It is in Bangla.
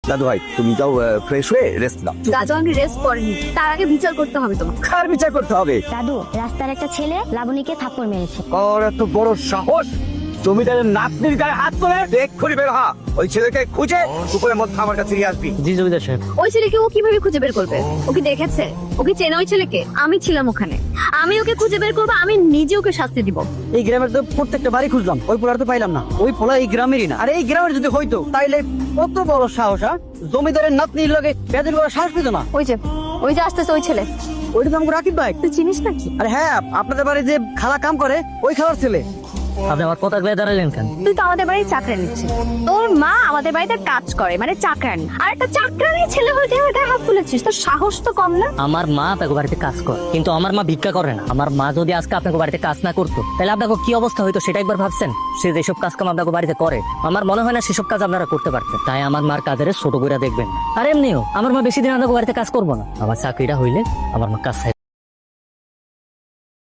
দাদু ভাই তুমি যাও ফ্রেশ হয়ে রেস্ট নাও। দাদু আমি রেস্ট করিনি, তার আগে বিচার করতে হবে তোমাকে। কার বিচার করতে হবে? দাদু, রাস্তার একটা ছেলে লাবণীকে থাপ্পড় মেরেছে। আর এত বড় সাহস, জমিদারের নাতনির গায়ে হাত তোলে! এক্ষুনি বের হ, ওই ছেলেকে খুঁজে পুকুরের মধ্যে আমার কাছে নিয়ে আসবি। জি জমিদার সাহেব। ওই ছেলেকে ও কিভাবে খুঁজে বের করবে? ওকে দেখেছে? ওকে চেনে ওই ছেলেকে? আমি ছিলাম ওখানে, আমি ওকে খুঁজে বের করবো, আমি নিজে ওকে শাস্তি দিব। এই গ্রামের তো প্রত্যেকটা বাড়ি খুঁজলাম, ওই পোলার তো পাইলাম না। ওই পোলা এই গ্রামেরই না। আর এই গ্রামের যদি হইতো তাইলে কত বড় সাহস! জমিদারের নাতনির লগে বেদন করার সাহস পেত না। ওই যে আসতেছে ওই ছেলে। ওইটা তো আমাকে রাকিব ভাই। তুই চিনিস নাকি? আরে হ্যাঁ, আপনাদের বাড়ি যে খালা কাম করে ওই খালার ছেলে। আপনি আমার কথা গিয়ে দাঁড়ালেন কেন? তুই তো আমাদের বাড়ির চাকরা নিচ্ছিস। তোর মা আমাদের বাড়িতে কাজ করে, মানে চাকরানি। আর একটা চাকরানি ছেলে হয়ে আমার গায়ে হাত তুলেছিস, তোর সাহস তো কম না। আমার মা আপনাকে বাড়িতে কাজ করে, কিন্তু আমার মা ভিক্ষা করে না। আমার মা যদি আজকে আপনাকে বাড়িতে কাজ না করতো তাহলে আপনাকে কি অবস্থা হইতো সেটা একবার ভাবছেন? সে যেসব কাজ কাম আপনাকে বাড়িতে করে, আমার মনে হয় না সেসব কাজ আপনারা করতে পারতেন। তাই আমার মার কাজের ছোট করে দেখবেন। আর এমনিও আমার মা বেশি দিন আপনাকে বাড়িতে কাজ করবো না। আমার চাকরিটা হইলে আমার মা কাজ